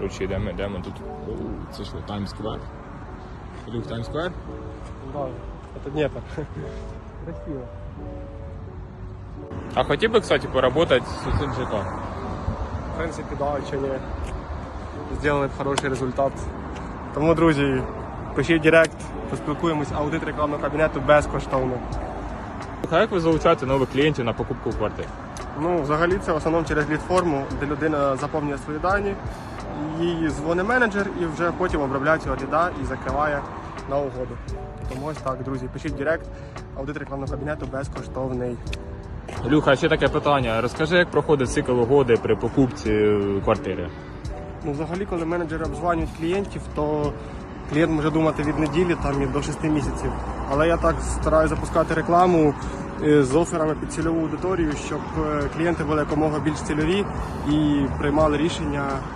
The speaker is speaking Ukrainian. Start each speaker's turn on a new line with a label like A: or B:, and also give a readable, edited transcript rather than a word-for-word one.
A: Коротше, йдемо тут. Це що, Таймс-сквер? Ілюх, Таймс-сквер?
B: Да, це Дніпро. Красиво.
A: А хотів би, кстати, поработать з цим ЖК?
B: В принципі, да, чи ні. Зробили б хороший результат. Тому, друзі, пишіть в директ, поспілкуємось, аудит рекламного кабінету безкоштовно.
A: А як ви залучаєте нових клієнтів на покупку квартир?
B: Ну, взагалі це в основному через лід-форму, де людина заповнює свої дані, їй дзвонить менеджер і вже потім обробляє цього ліда і закриває на угоду. Тому ось так, друзі, пишіть в директ, аудит рекламного кабінету безкоштовний.
A: Люха, ще таке питання. Розкажи, як проходить цикл угоди при покупці квартири?
B: Ну, взагалі, коли менеджери обзванюють клієнтів, то клієнт може думати від неділі там, і до 6 місяців. Але я так стараюся запускати рекламу з оферами під цільову аудиторію, щоб клієнти були якомога більш цільові і приймали рішення